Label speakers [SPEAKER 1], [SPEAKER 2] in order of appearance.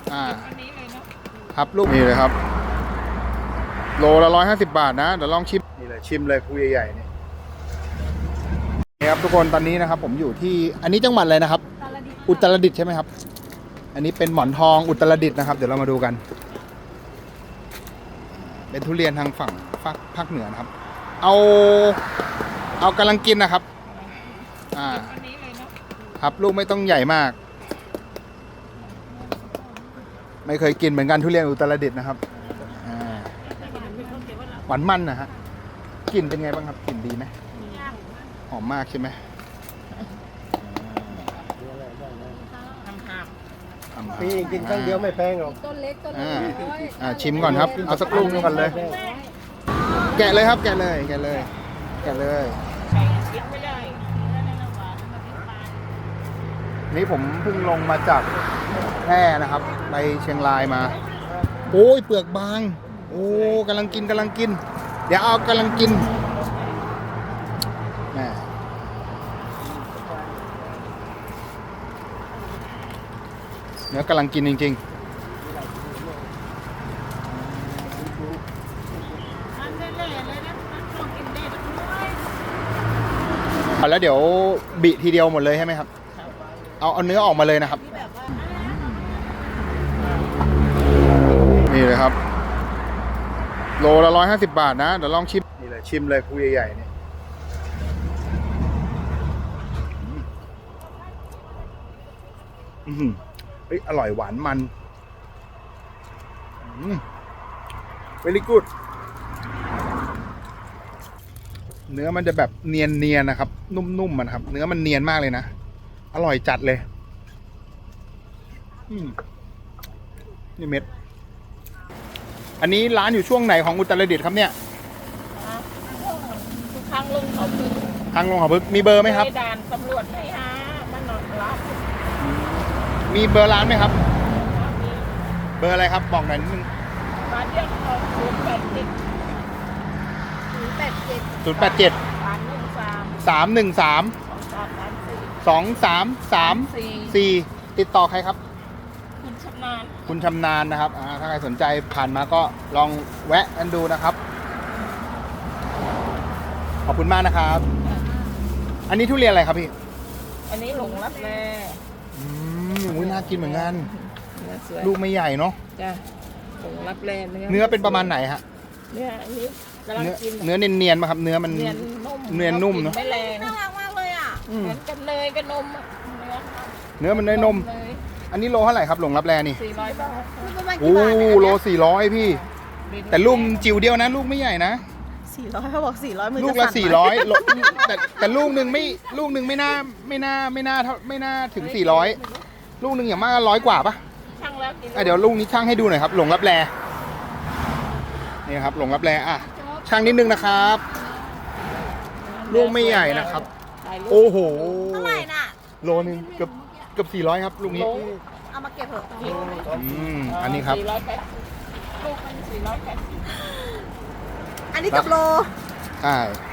[SPEAKER 1] อันนี้เลยเนาะ
[SPEAKER 2] ครับลูกนี่เลยครับโลละ150 บาทนะเดี๋ยวลองชิมนี่เลยชิมเลยภูใหญ่ๆนี่ครับทุกคนตอนนี้นะครับผมอยู่ที่อันนี้จังหวัดอะไรนะครับอุตรดิตถ์ใช่ไหมครับอันนี้เป็นหมอนทองอุตรดิตถ์นะครับเดี๋ยวเรามาดูกันเป็นทุเรียนทางฝั่งภาคเหนือนะครับเอากำลังกินนะครับ
[SPEAKER 1] อันนี้เลยเนาะ
[SPEAKER 2] ครับลูกไม่ต้องใหญ่มากไม่เคยกินเหมือนกันทุเรียนอุตรดิตถ์นะครับหวานมันนะฮะกลิ่นเป็นไงบ้างครับกลิ่นดีไหมหอมมากใช่ไหม
[SPEAKER 3] พี่กินครั้งเดียวไม่แพงหรอก
[SPEAKER 1] ต้นเล็กต้นน้อย
[SPEAKER 2] ชิมก่อนครับเอาสักลูกนึงก่อนเลยแกะเลยครับแกะเลยนี่ผมเพิ่งลงมาจากแพร่นะครับไปเชียงรายมาโอ้ยเปลือกบางโอ้กำลังกินเดี๋ยวเอากำลังกินแม่เนื้อกำลังกินจริงๆแล้วเดี๋ยวบิทีเดียวหมดเลยใช่ไหมครับเอาเนื้อออกมาเลยนะครับนี่เลยครับโลละ150 บาทนะเดี๋ยวลองชิมนี่เลยชิมเลยภูใหญ่ๆนี่เฮ้ยอร่อยหวานมันvery good เนื้อมันจะแบบเนียนนะครับนุ่มๆมันครับเนื้อมันเนียนมากเลยนะอร่อยจัดเลยนี่เม็ดอันนี้ร้านอยู่ช่วงไหนของอุตรดิตถ์ครับเนี่ย
[SPEAKER 1] ทางลงเขาพึก
[SPEAKER 2] ทางลงเขาพึกมีเบอร์ไหมครับ
[SPEAKER 1] ด่านตำรวจไม่หามันนอนรับ
[SPEAKER 2] มีเบอร์ร้านไหมครับเบอร์อะไรครับบอกหน่อยนิดนึง
[SPEAKER 1] มาเรียกเขา
[SPEAKER 2] 087 313 2334ติดต่อใครครับคุณชำนาญนะครับถ้าใครสนใจผ่านมาก็ลองแวะกันดูนะครับขอบคุณมากนะครับอันนี้ทุเรียนอะไรครับพี่
[SPEAKER 1] อันนี้หลงรับแล
[SPEAKER 2] น่ากินเหมือนกันลูกไม่ใหญ่เนาะ
[SPEAKER 1] จ้ะหลงรับแล
[SPEAKER 2] เนื้อเป็นประมาณไหนฮะ
[SPEAKER 1] เนื้ออันนี้กำลังกิน
[SPEAKER 2] เนื้อเนียนๆมาครับเนื้อมันเนียนนุ่มเนาะ
[SPEAKER 1] ไม่แรงน่ารักมากเลยอ่ะเหมือนกันเนยกับนม
[SPEAKER 2] เนื้อมันเนยนมอันนี้โลเท่าไหร่ครับหลงรับแลนี่
[SPEAKER 1] 400 บาท
[SPEAKER 2] โอ้โล400พี่แต่ลูกจิ๋วเดียวนะลูกไม่ใหญ่นะ
[SPEAKER 1] 400เขาบอก400มือ
[SPEAKER 2] ลูกละ400แต่ลูกหนึ่งไม่น่าถึง400ลูกหนึ่งอย่างมาก100 กว่าปะ
[SPEAKER 1] ช่างแล้ว
[SPEAKER 2] เดี๋ยวลูกนี้ช่างให้ดูหน่อยครับหลงรับแลนี่ครับหลงรับแลช่างนิดนึงนะครับลูกไม่ใหญ่นะครับโอ้โห
[SPEAKER 1] เท่าไหร่น่ะ
[SPEAKER 2] โลนึงเกือบ400ครับลูกนี้
[SPEAKER 1] เอามาเก็บเถอะ
[SPEAKER 2] อันนี้ครับ
[SPEAKER 1] ลูกมัน480
[SPEAKER 4] อันนี้กับโล
[SPEAKER 2] ใช่